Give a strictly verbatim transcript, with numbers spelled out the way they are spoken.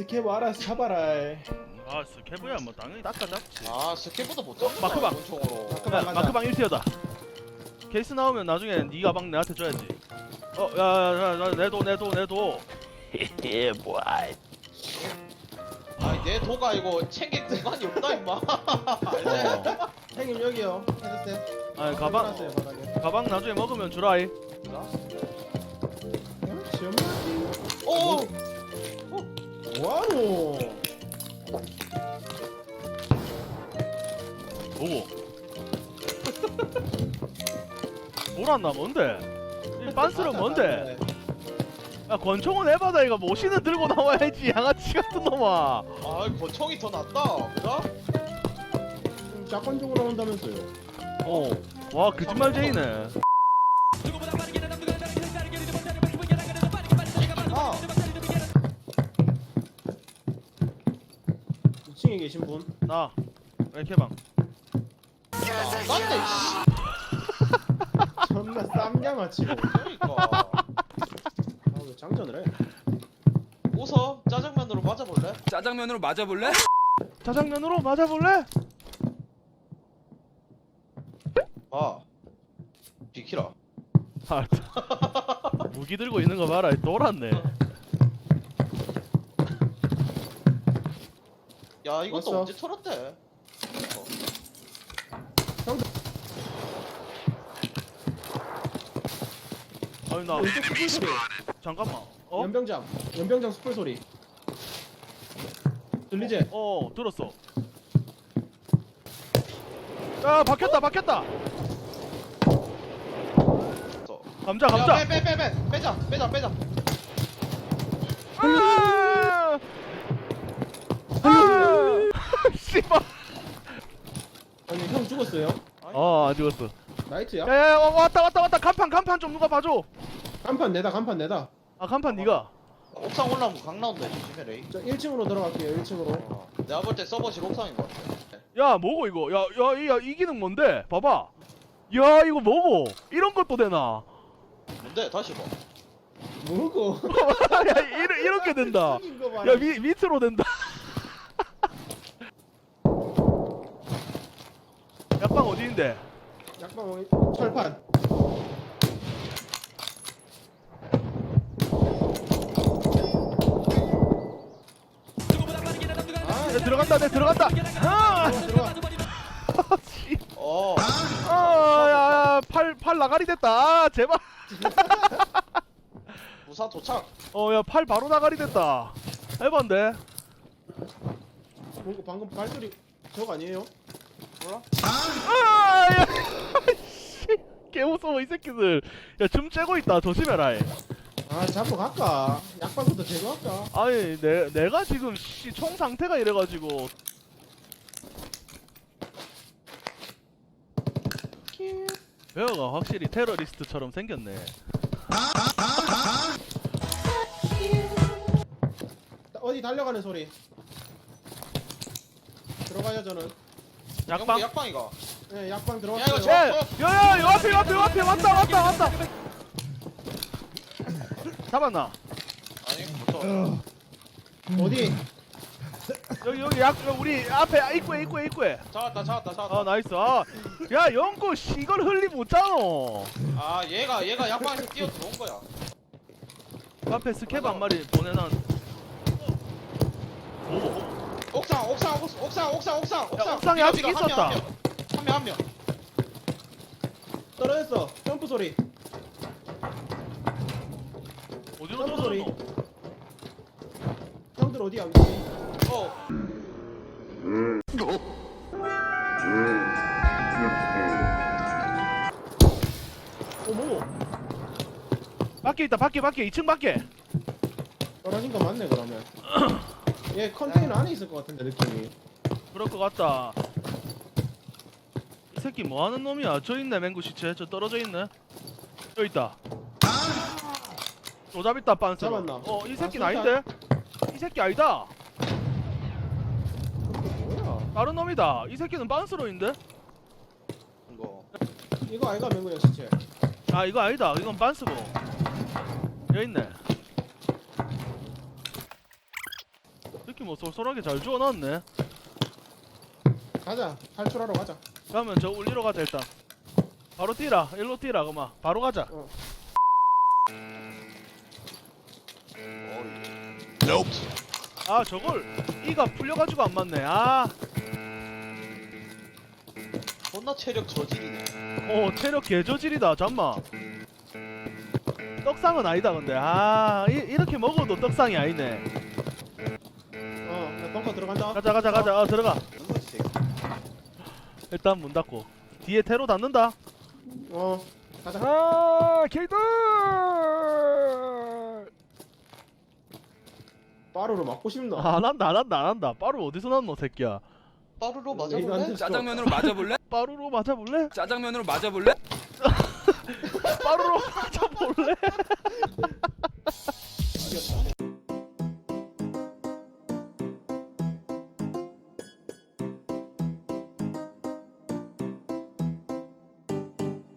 스케브 알아서 잡아라. 아 스케브야 뭐 당연히 닦아잡지. 아 스케보다 못 잡아. 마크방. 권총으로. 마크방. 야, 가자. 마크방 일 티어다. 케이스 나오면 나중에 네 가방 내한테 줘야지. 어, 야야야, 내도 내도 내도. 예, 뭐야. 아니 내 도가 이거 챙길 공간이 없다 임마. 알지? 어. 형님 여기요. 헤드셋. 아니 가방 놨어요, 바닥에. 가방 나중에 먹으면 주라이. 시험하지. 오. 뭐하노? 뭐고? 뭐란나 뭔데? 이 빤스는 뭔데? 야 권총은 해봐다 이거 모시는 들고 나와야지 양아치 같은 놈아. 아 권총이 더 낫다. 그죠? 샷건 쪽으로 나온다면서요. 어. 와 거짓말쟁이네. 아. 이 층에 계신 분. 나 왼캐방. 낫네 씨. 존나 쌈양아치고. 그러니까. 아왜 장전을 해? 웃어. 짜장면으로 맞아볼래? 짜장면으로 맞아볼래? 짜장면으로 맞아볼래? 아. 비키라. 아, 무기 들고 있는 거 봐라. 돌았네. 야 이것도 왔어. 언제 털었대? 어. 아니 나 왼쪽 숯불 소리. 잠깐만. 어? 연병장. 연병장 숯불 소리. 들리지? 어 들었어. 야 박혔다 박혔다. 어. 감자 감자. 야, 빼, 빼, 빼, 빼. 빼자, 빼자, 빼자. 아! 아! 씨발. 아니 형 죽었어요? 어안 죽었어. 나이트야? 야야야 왔다 왔다 왔다. 간판 간판 좀 누가 봐줘. 간판 내다 간판 내다. 아 간판 네가. 옥상 올라오면 강 나온다, 조심해, 레이. 저 일 층으로 들어갈게요. 일 층으로. 어. 내가 볼 때 서버실 옥상인 것 같아. 야 뭐고 이거? 야야야 이 기능 뭔데? 봐봐. 야 이거 뭐고? 이런 것도 되나? 뭔데? 다시 봐. 뭐고? 야 이러, 이렇게 된다. 생긴 거 봐라. 야 미, 밑으로 된다. 약방 어디인데? 약방 어디- 철판. 아, 내 들어간다 내 들어간다. 아! 들어가 들어가. 씨. 어. 아, 야, 팔, 팔 나가리 됐다. 아, 제발. 부사 도착. 어, 야, 팔 바로 나가리 됐다. 해본데. 뭔가 방금 발소리 저거 아니에요? 몰라? 아, 야, 씨, 개 무서워 이 새끼들. 야, 줌 째고 있다. 조심해라. 이. 아 잡고 갈까? 약방부터 제거할까? 아니, 내, 내가 지금 씨, 총 상태가 이래가지고. 베어가 확실히 테러리스트처럼 생겼네. 어디 달려가는 소리. 들어가요 저는. 약방. 약방이가. 네 약방 야, 들어갔어요. 이거 야, 야, 야, 요 앞에, 요 앞에, 요 앞에 왔다, 왔다, 왔다. 잡았나? 아니, 붙어. 어디? 여기, 여기 약, 우리 앞에 입구에, 입구에, 입구에. 잡았다, 잡았다, 잡았다. 아, 나이스. 아, 야, 영구 씨, 이걸 흘리 못잖아. 아, 얘가, 얘가 약방에서 뛰어 들어온 거야. 앞에 스캡 한 마리 보내놨. 오, 옥상, 옥상, 옥상, 옥상, 옥상, 옥상. 옥상에 비가, 아직 비가, 한 명, 있었다. 한 명, 한 명, 한 명. 떨어졌어. 점프 소리. 어디로 점프 소리. 떨어졌노? 형들 어디야? 어. 어머. 밖에 있다, 밖에, 밖에, 이 층 밖에. 떨어진 거 맞네 그러면. 얘 컨테이너 안에 있을 것 같은데 느낌이. 그럴 것 같다. 이 새끼 뭐 하는 놈이야? 저 있네, 맹구 시체. 저 떨어져 있네. 저 있다. 조잡 있다, 빤스. 잡았나? 어, 이 새끼는 아, 아닌데? 이 새끼 아니다. 뭐야? 다른 놈이다. 이 새끼는 빤스로인데? 이거. 이거 아이가 맹구야 시체. 아, 이거 아니다. 이건 빤스고. 여기 있네. 뭐 쏠쏠하게 잘 주워놨네. 가자. 탈출하러 가자. 그러면 저 울리러 가자 일단. 바로 뛰라. 일로 뛰라 그만. 바로 가자. 어. 아 저걸 이가 풀려가지고 안 맞네. 아, 존나 체력 저질이네. 어 체력 개저질이다. 잠만. 떡상은 아니다 근데. 아 이, 이렇게 먹어도 떡상이 아니네. 어, 나 벙커 들어간다. 가자 가자 가자. 어 들어가. 누구지 새끼? 일단 문 닫고. 뒤에 테로 닫는다. 어, 가자. 아 개이들. 빠루로 맞고 싶나? 안 한다 안 한다 안 한다. 빠루 어디서 났노 새끼야. 빠루로 이거 안 맞아볼래? 됐어. 짜장면으로 맞아볼래? 빠루로 맞아볼래? 짜장면으로 맞아볼래? 빠루로 맞아볼래?